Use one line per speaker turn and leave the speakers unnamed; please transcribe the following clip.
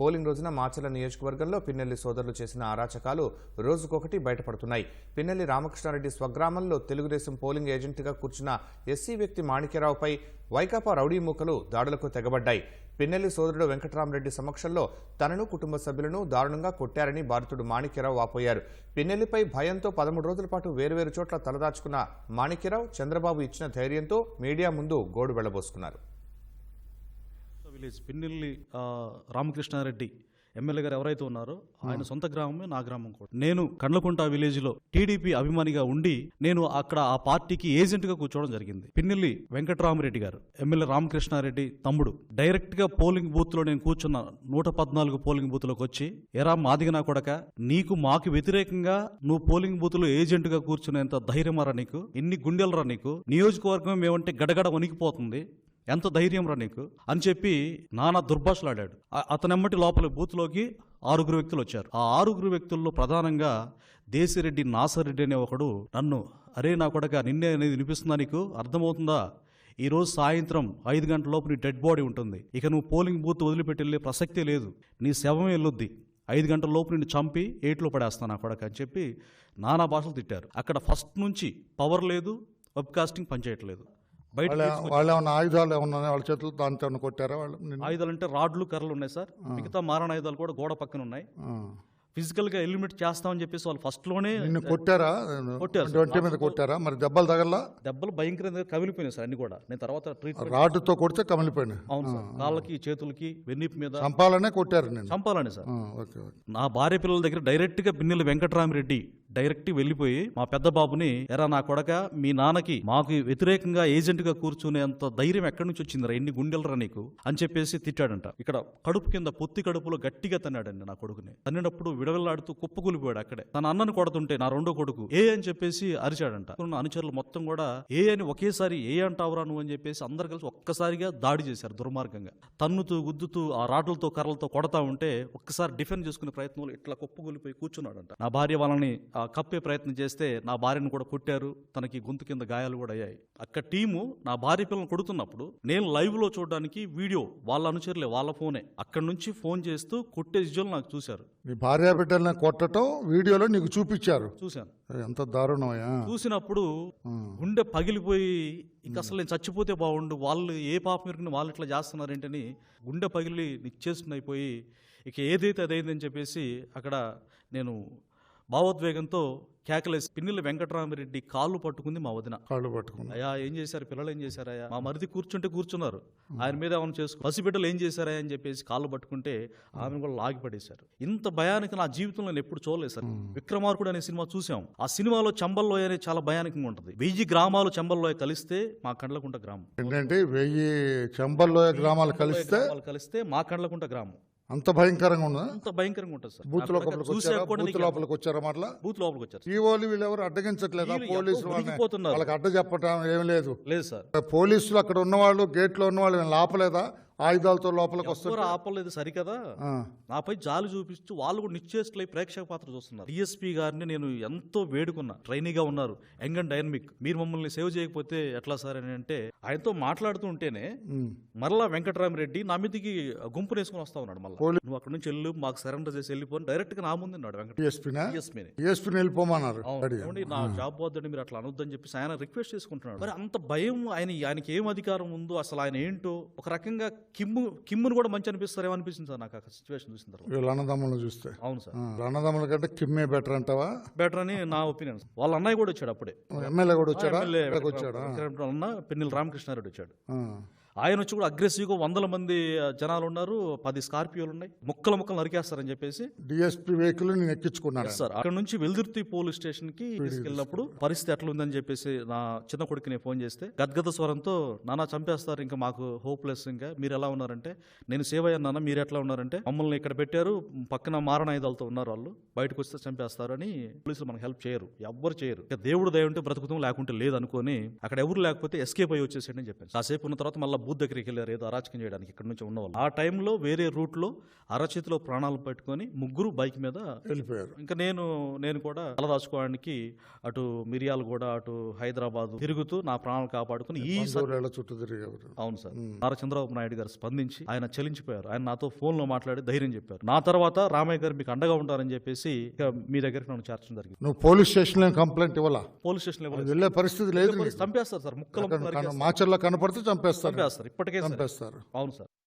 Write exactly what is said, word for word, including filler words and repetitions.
Polling రోజున మాచర్ల నియోజకవర్గంలో పిన్నెల్లి సోదరులు చేసిన అరాచకాలు రోజుకొకటి బయటపడుతున్నాయి. పిన్నెల్లి రామకృష్ణారెడ్డి స్వగ్రామంలో తెలుగుదేశం పోలింగ్ ఏజెంట్గా కూర్చున్న ఎస్సీ వ్యక్తి మాణిక్యరావుపై వైకాపా రౌడీ మూకలు దాడులకు తెగబడ్డాయి. పిన్నెల్లి సోదరుడు వెంకట్రామరెడ్డి సమక్షంలో తనను కుటుంబ సభ్యులను దారుణంగా కొట్టారని బాధితుడు మాణిక్యరావు వాపోయారు. పిన్నెల్లిపై భయంతో పదమూడు రోజుల పాటు వేరువేరు చోట్ల తలదాచుకున్న మాణిక్యరావు చంద్రబాబు ఇచ్చిన ధైర్యంతో మీడియా ముందు గోడు వెళ్లబోసుకున్నారు.
విలేజ్ పిన్నెల్లి రామకృష్ణారెడ్డి ఎమ్మెల్యే గారు ఎవరైతే ఉన్నారో ఆయన సొంత గ్రామమే నా గ్రామం కూడా. నేను కండ్లకుంట విలేజ్ లో టీడీపీ అభిమానిగా ఉండి నేను అక్కడ ఆ పార్టీకి ఏజెంట్ గా కూర్చోవడం జరిగింది. పిన్నెల్లి వెంకట్రామరెడ్డి గారు ఎమ్మెల్యే రామకృష్ణారెడ్డి తమ్ముడు డైరెక్ట్ గా పోలింగ్ బూత్ లో నేను కూర్చున్న నూట పద్నాలుగు పోలింగ్ బూత్ లోకి వచ్చి, ఎరా మాదిగనా కొడక, నీకు మాకు వ్యతిరేకంగా నువ్వు పోలింగ్ బూత్ లో ఏజెంట్ గా కూర్చునేంత ధైర్యమరా నీకు, ఎన్ని గుండెలరా నీకు, నియోజకవర్గం ఏమంటే గడగడ వణికిపోతుంది, ఎంత ధైర్యం రా నీకు అని చెప్పి నానా దుర్భాషలాడాడు. అతనెమ్మటి లోపల బూత్లోకి ఆరుగురు వ్యక్తులు వచ్చారు. ఆ ఆరుగురు వ్యక్తుల్లో ప్రధానంగా దేశిరెడ్డి నాసరెడ్డి అనే ఒకడు నన్ను, అరే నా కొడక నిన్నే అనేది వినిపిస్తుందా, నీకు అర్థమవుతుందా, ఈరోజు సాయంత్రం ఐదు గంటల లోపు నీ డెడ్ బాడీ ఉంటుంది, ఇక నువ్వు పోలింగ్ బూత్ వదిలిపెట్టి వెళ్ళే ప్రసక్తే లేదు, నీ శవమే వెళ్ళొద్ది, ఐదు గంటల లోపు నిన్ను చంపి ఏట్లో పడేస్తాను నా కొడక అని చెప్పి నానా భాషలు తిట్టారు. అక్కడ ఫస్ట్ నుంచి పవర్ లేదు, వెబ్కాస్టింగ్ పనిచేయట్లేదు.
వాళ్ళు ఏమన్నా ఆయుధాలు ఏమన్నా వాళ్ళ చేతులు దాంతో కొట్టారా? వాళ్ళు
ఆయుధాలు అంటే రాడ్లు కర్రలు ఉన్నాయి సార్, మిగతా మారణ ఆయుధాలు కూడా గోడ పక్కన ఉన్నాయి. ఫిజికల్ గా ఎలిమినేట్ చేస్తామని చెప్పేసి వాళ్ళు ఫస్ట్ లోనే
కొట్టారా? కొట్టారు మీద కొట్టారా? మరి దెబ్బలు తగల?
దెబ్బలు భయంకరంగా కమిలిపోయినాయి సార్ అన్ని కూడా. నేను తర్వాత ట్రీట్మెంట్
రాడ్డుతో కొడితే కమిలిపోయినాయి.
అవును సార్, కాళ్ళకి చేతులకి వెన్నిపు మీద
చంపాలనే కొట్టారు. నేను
చంపాలని సార్. నా భార్య పిల్లల దగ్గర డైరెక్ట్ గా పిన్నెల్లి వెంకట్రామరెడ్డి డైరెక్ట్ వెళ్ళిపోయి మా పెద్ద బాబుని, ఎరా నా కొడక, మీ నాన్నకి మాకు వ్యతిరేకంగా ఏజెంట్ గా కూర్చునేంత ధైర్యం ఎక్కడి నుంచి వచ్చిందిరా, ఎన్ని గుండెలరా నీకు అని చెప్పేసి తిట్టాడంట. ఇక్కడ కడుపు కింద పొత్తి కడుపులో గట్టిగా తన్నాడండి నా కొడుకుని. తన్నినప్పుడు విడవెల్లాడుతూ కుప్పకూలిపోయాడు అక్కడే. తన అన్నను కొడుతుంటే నా రెండో కొడుకు ఏ అని చెప్పేసి అరిచాడంట. అనుచరులు మొత్తం కూడా ఏ అని ఒకేసారి ఏ అంటావురా నువ్వు అని చెప్పేసి అందరు కలిసి ఒక్కసారిగా దాడి చేశారు దుర్మార్గంగా. తన్నుతూ గుద్దుతూ ఆ రాడ్లతో కర్రలతో కొడతా ఉంటే ఒక్కసారి డిఫెండ్ చేసుకునే ప్రయత్నంలో ఇట్లా కుప్పకూలిపోయి కూర్చున్నాడంట. నా భార్య వాళ్ళని కప్పే ప్రయత్నం చేస్తే నా భార్యను కూడా కొట్టారు, తనకి గొంతు కింద గాయాలు కూడా అయ్యాయి. అక్కడ టీము నా భార్య పిల్లలను కొడుతున్నప్పుడు నేను లైవ్ లో చూడడానికి వీడియో వాళ్ళ అనుచరులే, వాళ్ళ ఫోనే, అక్కడ నుంచి ఫోన్ చేస్తూ కొట్టే విజువల్ నాకు చూశారు.
మీ భార్య బిడ్డలను కొట్టడం వీడియోలో నీకు చూపించారు?
చూశాను.
ఎంత దారుణమయ్యా.
చూసినప్పుడు గుండె పగిలిపోయి ఇంకా అసలు నేను చచ్చిపోతే బాగుండు, వాళ్ళు ఏ పాప మీరు వాళ్ళు ఇట్లా చేస్తున్నారేంటని గుండె పగిలి నిచ్చేస్తున్న అయిపోయి ఇక ఏదైతే అదైందని చెప్పేసి అక్కడ నేను భావోద్వేగంతో కేకలేసి పిన్నెల్లి వెంకట్రామరెడ్డి కాళ్ళు పట్టుకుంది మా వదిన.
కాళ్ళు పట్టుకుంది.
అయ్యా ఏం చేశారు పిల్లలు, ఏం చేశారయ్యా, మా మరిది కూర్చుంటే కూర్చున్నారు, ఆయన మీద ఏమైనా చేసుకో, పసిబిడ్డలు ఏం చేశారా అని చెప్పేసి కాళ్ళు పట్టుకుంటే ఆమెను కూడా లాగి పడేశారు. ఇంత భయానికి నా జీవితంలో నేను ఎప్పుడు చూడలేదు సార్. విక్రమార్కుడు అనే సినిమా చూసాం. ఆ సినిమాలో చంబల్లోయ అనేది చాలా భయానకంగా ఉంటుంది. వెయ్యి గ్రామాలు చంబల్లోయ కలిస్తే మా కండ్లకుంట గ్రామం.
ఏంటంటే వెయ్యి చంబల్లోయ గ్రామాలు కలిస్తే
కలిస్తే మా కండ్లకుంట గ్రామం.
అంత భయంకరంగా ఉందా?
అంత భయంకరంగా ఉంటుంది సార్.
బూత్ లోపలికి లోపలికి వచ్చారా? మట్లా
బూత్ లోపలికి వచ్చారు.
ఈ వాళ్ళు వీళ్ళు ఎవరు అడ్డగించట్లేదా? పోలీసులు వాళ్ళకి అడ్డ చెప్పడం ఏమి లేదు.
లేదు సార్.
పోలీసులు అక్కడ ఉన్నవాళ్ళు, గేట్ లో ఉన్నవాళ్ళు ఆపలేదా? ఆయుధాలతో లోపలికి వస్తారు.
ఆపలేదు సరికదా. నాపై జాలి చూపిస్తూ వాళ్ళు కూడా నిశ్చేష్లై ప్రేక్షక పాత్ర చూస్తున్నారు. డిఎస్పీ గారిని నేను ఎంతో వేడుకున్నా, ట్రైనీగా ఉన్నారు, యంగ్ అండ్ డైనమిక్, మీరు మమ్మల్ని సేవ్ చేయకపోతే ఎట్లా సార్ అని అంటే ఆయనతో మాట్లాడుతూ ఉంటేనే మరలా వెంకట్రామరెడ్డి నా మీదకి గుంపు వేసుకుని వస్తా ఉన్నాడు. మళ్ళీ నువ్వు అక్కడ నుంచి వెళ్ళు, మాకు సరెండర్ చేసి వెళ్ళిపోయి డైరెక్ట్ గా నా ముందు ఉన్నాడు వెంకటేశ్వరి.
వెళ్ళిపోమన్నారు.
నా జాబ్ వద్దని మీరు అట్లా అనొద్దని చెప్పి ఆయన రిక్వెస్ట్ చేసుకుంటున్నాడు. మరి అంత భయం ఆయన, ఆయనకి ఏం అధికారం ఉందో అసలు ఆయన ఏంటో, ఒక రకంగా కిమ్ము కిమ్మును కూడా మంచి అనిపిస్తారేమో అనిపిస్తుంది సార్ నాకు ఆ సిచ్యువేషన్ చూసిన తర్వాత.
వీళ్ళ అన్నదమ్ములను చూస్తే.
అవును సార్.
అన్నదమ్ముల కంటే కిమ్మే బెటర్ అంటావా?
బెటర్ అని నా ఒపీనియన్. వాళ్ళ అన్నయ్య కూడా వచ్చాడు అప్పుడే,
ఎమ్మెల్యే కూడా వచ్చాడు.
అన్న పిన్నెల్లి రామకృష్ణారెడ్డి వచ్చాడు. ఆయన వచ్చి కూడా అగ్రెసివ్గా వందల మంది జనాలు ఉన్నారు, పది స్కార్పియోలు ఉన్నాయి, ముక్కలు ముక్కలు నరికేస్తారని చెప్పేసి
డిఎస్పీ వెహికల్ నేను ఎక్కించుకున్నాను
సార్. అక్కడ నుంచి వెల్దుర్తి పోలీస్ స్టేషన్ కి తీసుకెళ్ళినప్పుడు పరిస్థితి ఎట్లా ఉందని చెప్పేసి నా చిన్న కొడుకు నేను ఫోన్ చేస్తే గద్గద స్వరంతో, నాన్న చంపేస్తారు, ఇంకా మాకు హోప్లెస్, ఇంకా మీరు ఎలా ఉన్నారంటే, నేను సేవ్ అయ్యాను నాన్న, మీరు ఎట్లా ఉన్నారంటే, మమ్మల్ని ఇక్కడ పెట్టారు, పక్కన మారణాయుధాలతో ఉన్నారు, వాళ్ళు బయటకు వస్తే చంపేస్తారు అని పోలీసులు మనకు హెల్ప్ చేయరు, ఎవ్వరు చేయరు. ఇక దేవుడు దయ ఉంటే బ్రతుకుతాం, లేకుంటే లేదు అనుకోని అక్కడ ఎవరు లేకపోతే ఎస్కేప్ అయ్యి వచ్చేసాడని చెప్పాను. కాసేపు ఉన్న తర్వాత మళ్ళీ బూత్ దగ్గరికి వెళ్ళారు ఏదో అరాచకం చేయడానికి ఇక్కడ నుంచి ఉన్నవాళ్ళు. ఆ టైంలో వేరే రూట్లో అరచేతిలో ప్రాణాలు పెట్టుకొని ముగ్గురు బైక్ మీద
వెళ్ళిపోయారు.
ఇంకా నేను నేను కూడా తలదాచుకోవడానికి అటు మిరియాలు కూడా అటు హైదరాబాద్ తిరుగుతూ నా ప్రాణాలు కాపాడుకుని ఈ స-
బంధువుల చుట్టూ తిరిగేవారు.
అవును సార్. నారా చంద్రబాబు నాయుడు గారు స్పందించి ఆయన చలించిపోయారు. ఆయన నాతో ఫోన్ లో మాట్లాడి ధైర్యం చెప్పారు. నా తర్వాత రామయ్య గారు మీకు అండగా ఉంటారని చెప్పేసి ఇక మీ దగ్గరికి నన్ను చేర్చడం జరిగింది.
నువ్వు పోలీస్ స్టేషన్లో కంప్లైంట్ ఇవ్వాలా?
పోలీస్ స్టేషన్
అది వెళ్ళే పరిస్థితి లేదు నీకు.
చంపేస్తారు సార్, ముక్కలు
మాచర్లో కనపడితే చంపేస్తారు
చంపేస్తారు ఇప్పటికే సార్.
చంపేస్తారు
అవును సార్.